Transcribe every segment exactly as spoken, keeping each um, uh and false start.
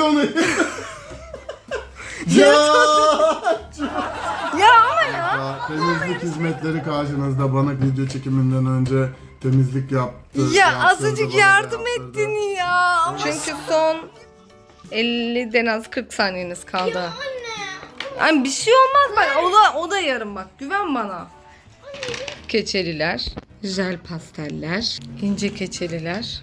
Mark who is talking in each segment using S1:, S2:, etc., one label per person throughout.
S1: onu. Ya.
S2: Ya ama ya.
S1: Ya, temizlik hizmetleri karşınızda. Bana video çekiminden önce temizlik yaptı.
S2: Ya
S1: yaptırdı,
S2: azıcık
S1: bana da
S2: yardım
S1: yaptırdı.
S2: ettin ya. Ama çünkü son elliden az kırk saniyeniz kaldı.
S3: Anne.
S2: Ay bir şey olmaz bak, o da, o da yarım bak, güven bana. Keçeliler, jel pasteller, ince keçeliler,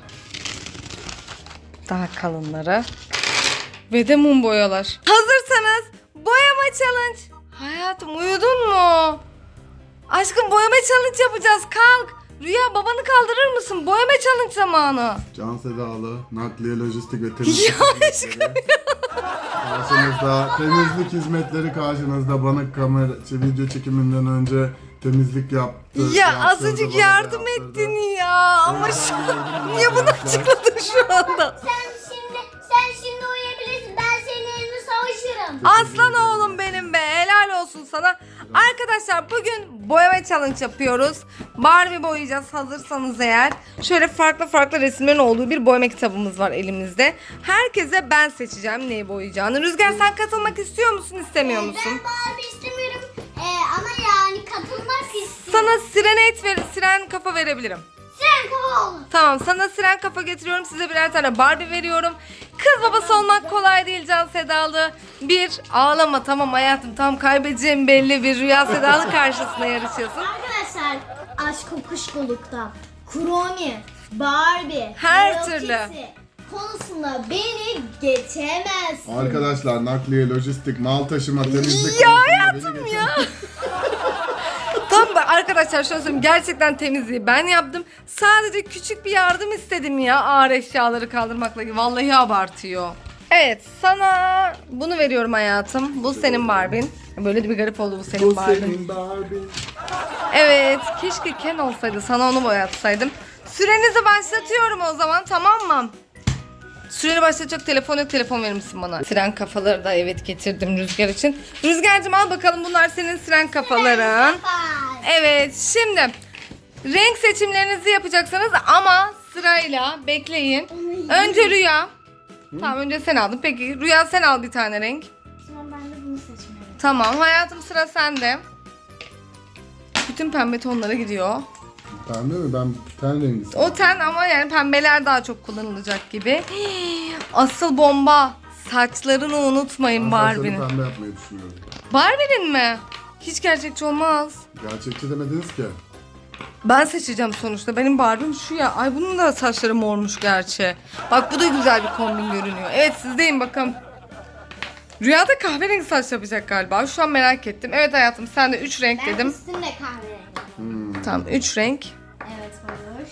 S2: daha kalınları ve de mum boyalar. Hazırsanız boyama challenge. Hayatım uyudun mu? Aşkım boyama challenge yapacağız, kalk. Rüya babanı kaldırır mısın? Boyama challenge zamanı.
S1: Can Sedalı, nakliye, lojistik ve temizlik
S2: Ya
S1: hizmetleri. Karşınızda temizlik hizmetleri karşınızda. Bana kamera şey, video çekiminden önce temizlik yaptı.
S2: Ya
S1: yaptırdı,
S2: azıcık
S1: bana da
S2: yardım
S1: yaptırdı.
S2: ettin ya. Ama şu niye bunu açıkladın şu anda?
S3: Sen şimdi sen şimdi uyuyabilirsin. Ben senin eline savaşırım.
S2: Aslan oğlum benim be, helal olsun sana. Arkadaşlar bugün boyama challenge yapıyoruz. Barbie boyayacağız hazırsanız eğer. Şöyle farklı farklı resimlerin olduğu bir boyama kitabımız var elimizde. Herkese ben seçeceğim neyi boyayacağını. Rüzgar sen katılmak istiyor musun, istemiyor musun?
S3: Ben Barbie istemiyorum. Ee, ama yani katılmak istiyorum.
S2: Sana sirenet ver, siren kafa verebilirim.
S3: Sen kafa olun.
S2: Tamam, sana siren kafa getiriyorum. Size birer tane Barbie veriyorum. Kız babası olmak kolay değil Can Sedalı. Bir, ağlama tamam hayatım, tam kaybedeceğim belli, bir Rüya Sedalı karşısında yarışıyorsun.
S3: Arkadaşlar aşk kokuşkolukta Kromi, Barbie,
S2: Her
S3: Hello
S2: türlü.
S3: Kitty konusunda beni geçemezsin.
S1: Arkadaşlar nakliye, lojistik, mal taşıma, temizlik
S2: Ya
S1: konusunda
S2: hayatım
S1: beni
S2: ya. Tam da arkadaşlar şöyle söyleyeyim, gerçekten temizliği ben yaptım. Sadece küçük bir yardım istedim ya, ağır eşyaları kaldırmakla. Vallahi abartıyor. Evet, sana bunu veriyorum hayatım. Bu senin Barbie'n. Böyle de bir garip oldu, bu senin
S1: Bu
S2: Barbie'n.
S1: senin Barbie.
S2: Evet, keşke Ken olsaydı, sana onu boyatsaydım. Sürenizi başlatıyorum o zaman, tamam mı? Süreni başlatacak telefon yok, telefon verir misin bana? Siren kafaları da evet getirdim Rüzgar için. Rüzgar'cığım al bakalım, bunlar senin siren kafaların. Evet, şimdi renk seçimlerinizi yapacaksınız ama sırayla bekleyin. Önce Rüya. Tamam, önce sen aldın. Peki Rüya sen al bir tane renk.
S3: Tamam, ben de bunu seçmeliyim.
S2: Tamam hayatım, sıra sende. Bütün pembe tonlara gidiyor.
S1: Pembe mi? Ben ten rengi
S2: O
S1: seviyorum.
S2: ten ama yani pembeler daha çok kullanılacak gibi. Asıl bomba. Saçlarını unutmayın
S1: Ben saçlarını
S2: Barbie'nin.
S1: pembe yapmayı düşünüyorum.
S2: Barbie'nin mi? Hiç gerçekçi olmaz.
S1: Gerçekçi demediniz ki.
S2: Ben seçeceğim sonuçta. Benim Barbie'm şu ya. Ay bunun da saçları mormuş gerçi. Bak bu da güzel bir kombin görünüyor. Evet sizdeyim bakın. Rüyada kahverengi saç yapacak galiba. Şu an merak ettim. Evet hayatım, sen de üç renk
S3: Ben
S2: dedim.
S3: üstüm de kahverengi.
S2: Tamam, üç renk.
S3: Evet, olur.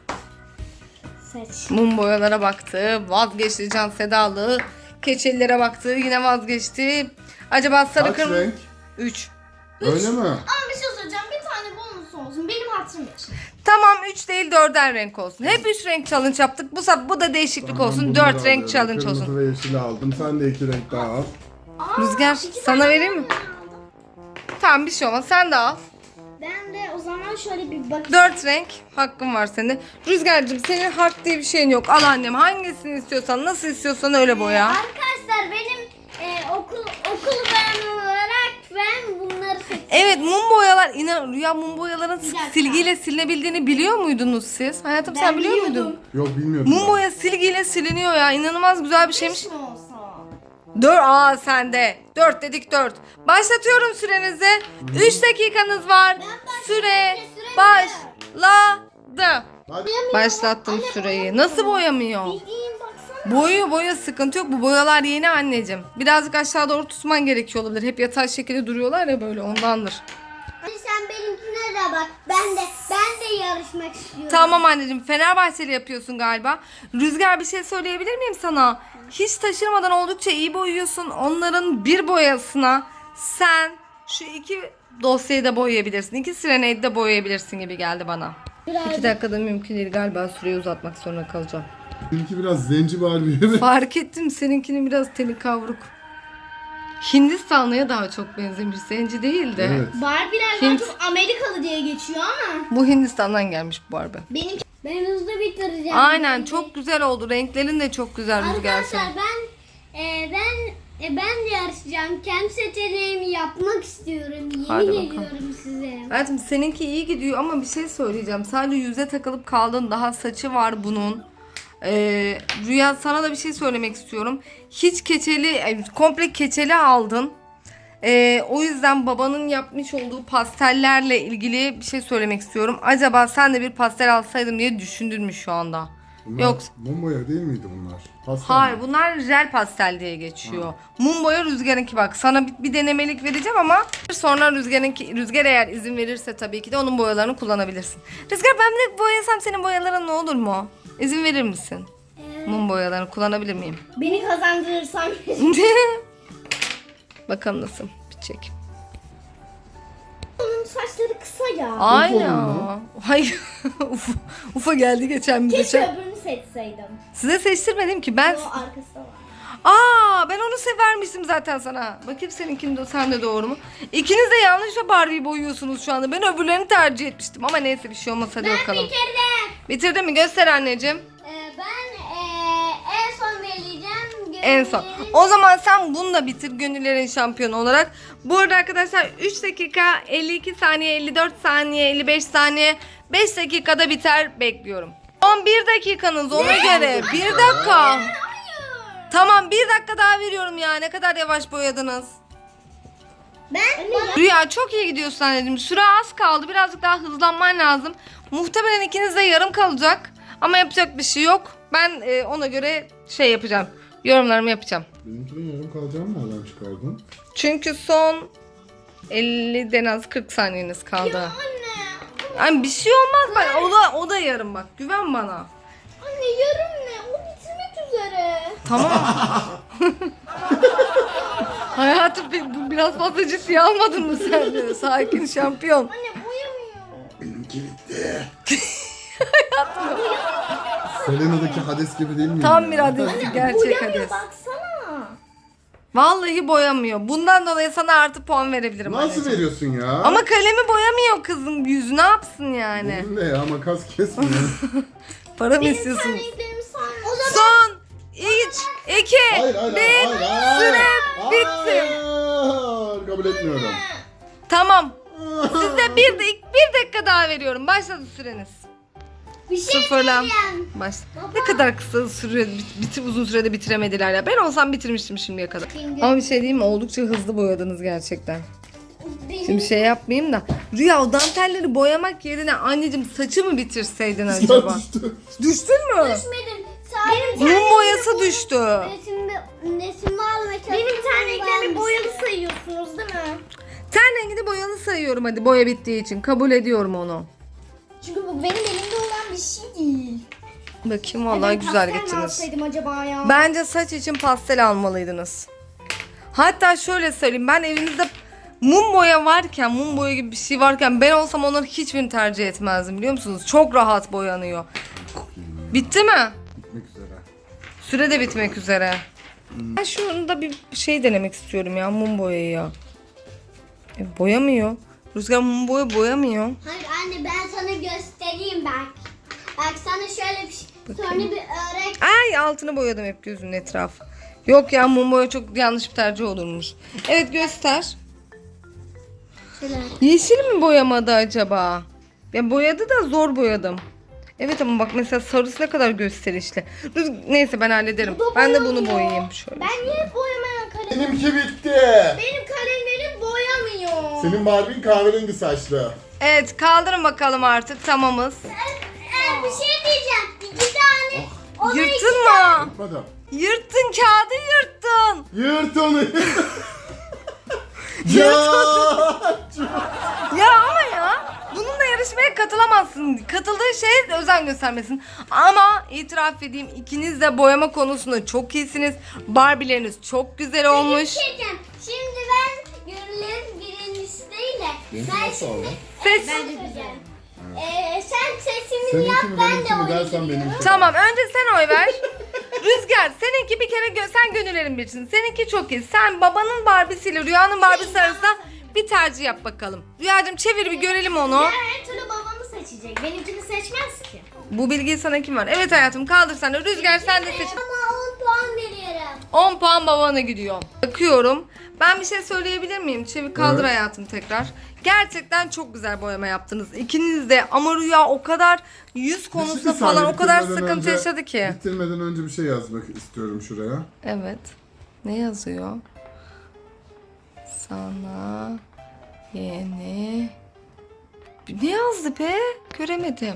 S3: Seç.
S2: Mum boyalara baktı. Vazgeçti Can Sedalı. Keçelilere baktı. Yine vazgeçti. Acaba sarı
S1: Kaç
S2: kırmızı...
S1: renk?
S2: üç.
S1: Öyle mi?
S3: Ama bir şey söyleyeceğim. Bir tane bonus olsun. Benim hatırım için.
S2: Tamam, üç değil dörder renk olsun. Hep üç renk challenge yaptık. Bu sefer bu da değişiklik
S1: Tamam,
S2: olsun.
S1: bunları
S2: dört renk
S1: alıyorum.
S2: challenge
S1: Kırmızı
S2: olsun.
S1: ve yeşili aldım. Sen de iki renk daha al.
S3: Aa,
S2: Rüzgar,
S3: iki
S2: sana
S3: tane
S2: vereyim mi?
S3: bonus aldım.
S2: Tamam, bir şey olmaz. Sen de al.
S3: Ben de o zaman şöyle bir bakayım.
S2: Dört renk hakkın var senin. Rüzgar'cığım senin hak diye bir şeyin yok. Al annem, hangisini istiyorsan, nasıl istiyorsan öyle boya.
S3: Arkadaşlar benim e, okul okul bayanı olarak ben bunları seçtim.
S2: Evet, mum boyalar, inan Rüya, mum boyaların
S3: dakika.
S2: silgiyle silinebildiğini biliyor muydunuz siz? Hayatım sen
S3: Ben
S2: biliyor
S3: biliyordum.
S2: muydun?
S1: Yok bilmiyordum.
S2: Mum
S1: ben.
S2: boya silgiyle siliniyor ya, inanılmaz güzel bir şeymiş.
S3: Beş mi olsa?
S2: Dört, aa sende. Dört dedik dört. Başlatıyorum sürenizi. Üç dakikanız var. Süre başladı.
S1: Hadi.
S2: Başlattım süreyi. Nasıl boyamıyor?
S3: Bildiğin baksana.
S2: Boyuyor boya, sıkıntı yok. Bu boyalar yeni anneciğim. Birazcık aşağı doğru tutman gerekiyor olabilir. Hep yatay şekilde duruyorlar ya, böyle ondandır.
S3: Hadi sen benimkine de bak. Ben de ben de yarışmak istiyorum.
S2: Tamam anneciğim, Fenerbahçeli yapıyorsun galiba. Rüzgar, bir şey söyleyebilir miyim sana? Hiç taşırmadan oldukça iyi boyuyorsun. Onların bir boyasına sen şu iki dosyayı da boyayabilirsin. İki sireneyi de boyayabilirsin gibi geldi bana.
S3: Biraz-
S2: İki dakikada mümkün değil galiba, süreyi uzatmak zorunda kalacağım.
S1: Benimki biraz zenci Barbie.
S2: Fark ettim, seninkinin biraz teni kavruk. Hindistanlıya daha çok benzemiş, zenci değil de.
S1: Evet.
S3: Barbie'ler daha
S2: Hint-
S3: çok Amerikalı diye geçiyor ama
S2: Bu Hindistan'dan gelmiş bu Barbie.
S3: benimki ben hızlı bitireceğim.
S2: Aynen, çok güzel oldu. Renklerin de çok güzel Rüzgar
S3: Arkadaşlar
S2: senin.
S3: ben e, ben e, ben de yarışacağım. Kendi seçeneğimi yapmak istiyorum. Yemin
S2: Hadi bakalım.
S3: ediyorum size.
S2: Hayatım seninki iyi gidiyor ama bir şey söyleyeceğim. Sadece yüze takılıp kaldın. Daha saçı var bunun. Ee, Rüya sana da bir şey söylemek istiyorum. Hiç keçeli, e, komple keçeli aldın. Ee, o yüzden babanın yapmış olduğu pastellerle ilgili bir şey söylemek istiyorum. Acaba sen de bir pastel alsaydın diye düşündün mü şu anda?
S1: Bunlar
S2: Yok.
S1: mum boya değil miydi bunlar? Pastel
S2: Hayır,
S1: mi?
S2: bunlar jel pastel diye geçiyor. Mum boya Rüzgar'ınki bak. Sana bir, bir denemelik vereceğim ama sonra Rüzgar'ınki, Rüzgar eğer izin verirse tabii ki de onun boyalarını kullanabilirsin. Rüzgar ben de boyasam senin boyaların ne olur mu? İzin verir misin?
S3: Evet.
S2: Mum boyalarını kullanabilir miyim?
S3: Beni kazandırırsan.
S2: Bakalım nasıl bitecek.
S3: Onun saçları kısa ya.
S2: Aynen.
S1: mu?
S2: Hayır. Ufa, Ufa geldi geçen bize.
S3: Keşke öbürünü seçseydim.
S2: Size seçtirmedim ki ben.
S3: O arkası da var.
S2: Aa, ben onu severmiştim zaten sana. Bakayım seninkini de sen de doğru mu? İkiniz de yanlışla Barbie'yi boyuyorsunuz şu anda. Ben öbürlerini tercih etmiştim ama neyse bir şey olmaz hadi
S3: Ben
S2: bakalım.
S3: bitirdim.
S2: Bitirdin mi? Göster anneciğim.
S3: Ee, ben ee, en son vereceğim.
S2: En son.
S3: Gönüllerin-
S2: O zaman sen bunu da bitir gönüllerin şampiyonu olarak. Bu arada arkadaşlar üç dakika elli iki saniye, elli dört saniye, elli beş saniye, beş dakikada biter bekliyorum. Son bir dakikanız ona göre. Bir dakika.
S3: Hayır.
S2: Tamam bir dakika daha veriyorum ya. Ne kadar yavaş boyadınız.
S3: Ben
S2: Rüya çok iyi gidiyorsun anneciğim. Süre az kaldı. Birazcık daha hızlanman lazım. Muhtemelen ikiniz de yarım kalacak. Ama yapacak bir şey yok. Ben e, ona göre şey yapacağım. Yorumlarımı yapacağım.
S1: Benimkinin yarım kalacağını nereden çıkardın?
S2: Çünkü son elliden az kırk saniyeniz kaldı.
S3: anne.
S2: Yani bir şey olmaz bak. O da, o da yarım bak. Güven bana.
S3: Anne yarım ne? O bitirmek üzere.
S2: Tamam. Hayatım bir- bu biraz fazla ciddiye almadın mı sen de? Sakin şampiyon.
S3: Anne boyamıyor.
S1: Benimki bitti. Selena'daki Hades gibi değil mi?
S2: Tam bir Hades, gerçek
S3: Boyamıyor
S2: Hades.
S3: baksana.
S2: Vallahi boyamıyor. Bundan dolayı sana artı puan verebilirim
S1: Nasıl
S2: anneciğim.
S1: veriyorsun ya?
S2: Ama kalemi boyamıyor kızın yüzü. Ne yapsın yani?
S1: Benim de ya makas kesmiyor.
S2: Para mı
S3: Benim
S2: istiyorsunuz?
S3: terliklerimi say. O zaman
S2: Son üç, iki,
S1: hayır hayır
S2: bir.
S1: hayır hayır.
S2: Süre
S1: Hayır.
S2: bitti.
S1: Kabul etmiyorum.
S2: Tamam. Size bir, de, bir dakika daha veriyorum. Başladı süreniz.
S3: bir şey
S2: Sıfırlan.
S3: diyeceğim.
S2: Baş. Ne kadar kısa süre, biti, uzun sürede bitiremediler ya. Ben olsam bitirmiştim şimdiye kadar. Ama bir şey diyeyim mi? Oldukça hızlı boyadınız gerçekten.
S3: Benim
S2: Şimdi şey yapmayayım da. Rüya o dantelleri boyamak yerine anneciğim saçı mı bitirseydin acaba?
S1: Düştü.
S2: Düştün mü?
S3: düşmedim. Benim
S2: Mum boyası düştü.
S3: resimde resimde almaya çalıştım. Benim terliklerimi boyalı sayıyorsunuz değil mi?
S2: Ten rengini boyalı sayıyorum hadi boya bittiği için. Kabul ediyorum onu.
S3: Çünkü bu benim elimde olan bir şey değil.
S2: Bakayım vallahi güzel
S3: Pastel mi
S2: gittiniz.
S3: alsaydım acaba ya?
S2: Bence saç için pastel almalıydınız. Hatta şöyle söyleyeyim, ben evinizde mum boya varken, mum boya gibi bir şey varken ben olsam onları hiçbirini tercih etmezdim biliyor musunuz? Çok rahat boyanıyor. Bitti mi?
S1: Bitmek üzere.
S2: Süre de bitmek üzere. Ben şunda bir şey denemek istiyorum ya, mum boyayı ya. E, boyamıyor. Rüzgar mum boya boyamıyor.
S3: Hayır anne ben sana göstereyim bak. Bak sana şöyle bir şey. Sonra bir örek.
S2: Ay altını boyadım hep gözünün etrafı. Yok ya mum boya çok yanlış bir tercih olurmuş. Evet göster.
S3: Şöyle.
S2: Yeşil mi boyamadı acaba? Ya boyadı da zor boyadım. Evet ama bak mesela sarısı ne kadar gösterişli. Rüz- Neyse ben hallederim.
S3: Bu da
S2: Ben de bunu
S3: boyamıyor.
S2: boyayayım şöyle.
S3: Ben niye boyamayan kalem?
S1: Benimki bitti.
S3: Benim kalemlerim boyamıyor.
S1: Senin Barbie'n kahverengi saçlı.
S2: Evet kaldırın bakalım artık tamamız.
S3: Ee, bir şey diyeceğim. İki tane. Ona iki
S2: Yırttın mı?
S1: Yapmadım.
S2: Yırttın kağıdı yırttın.
S1: Yırt onu. Ya.
S2: Ya ama ya bununla yarışmaya katılamazsın. Katıldığı şeye özen göstermesin. Ama itiraf edeyim ikiniz de boyama konusunda çok iyisiniz. Barbie'leriniz çok güzel olmuş.
S3: Bir şey diyeceğim. Şimdi ben gönüllerin birincisi değil de.
S1: Benimki
S3: Ben
S1: nasıl
S3: şimdi.
S1: oldu?
S2: Seç.
S3: Ben söyleyeceğim. Ee, sen seçimini
S1: Seninki
S3: yap
S1: mi
S3: ben de
S1: benimki mi
S3: oyunu
S1: dersen
S3: biliyorum.
S1: benimki.
S2: Tamam önce sen oy ver. Rüzgar seninki bir kere gö- sen gönüllerin birisin. Seninki çok iyi. Sen babanın Barbie'siyle Rüya'nın Barbie'si arasında bir tercih yap bakalım. Rüyacığım çevir bir görelim onu.
S3: Ya her türlü babamı seçecek. Benimkini seçmez ki.
S2: Bu bilgiyi sana kim var? Evet hayatım kaldır sen de. Rüzgar sen de seç.
S3: Ama on puan veriyorum.
S2: on puan babana gidiyor. Bakıyorum. Ben bir şey söyleyebilir miyim? Çevik kaldır
S1: Evet.
S2: hayatım tekrar. Gerçekten çok güzel boyama yaptınız. İkiniz de ama Rüya o kadar yüz konusunda
S1: Bir
S2: falan
S1: saniye,
S2: o kadar
S1: bitirmeden
S2: sıkıntı
S1: önce-
S2: yaşadı ki.
S1: Bitirmeden önce bir şey yazmak istiyorum şuraya.
S2: Evet. Ne yazıyor? Sana yeni... Ne yazdı be? Göremedim.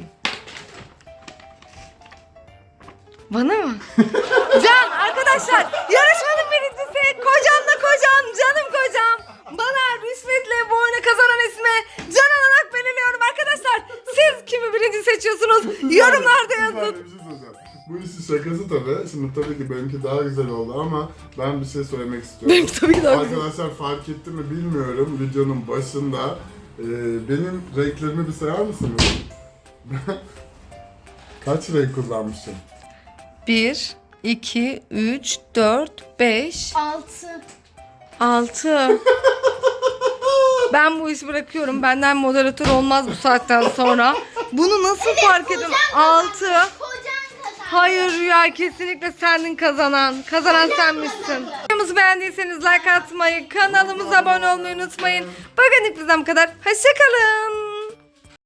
S2: Bana mı? Can arkadaşlar yarışmanın birincisi kocanla kocam canım kocam. Bana rüşvetle bu oyunu kazanan ismi Can olarak belirliyorum arkadaşlar. Siz kimi birinci seçiyorsunuz? Yorumlarda
S1: Bir
S2: yazın.
S1: saniye, bir şey söyleyeceğim. Bu işin şakası tabii. Şimdi tabii ki benimki daha güzel oldu ama ben bir şey söylemek istiyorum.
S2: Benimki tabii ki daha güzel.
S1: Arkadaşlar fark etti mi bilmiyorum videonun başında. Ee, benim renklerimi bir sayar mısınız? Kaç renk kullanmışım?
S2: bir, iki, üç, dört, beş,
S3: Altı.
S2: altı. Ben bu işi bırakıyorum. Benden moderatör olmaz bu saatten sonra. Bunu nasıl fark edeyim? altı.
S3: Kocan kazandı.
S2: Hayır Rüya, kesinlikle sendin kazanan. Kazanan senmişsin. Videomuzu beğendiyseniz like atmayı, kanalımıza abone olmayı unutmayın. Bugünlük bizden bu kadar. Hoşçakalın.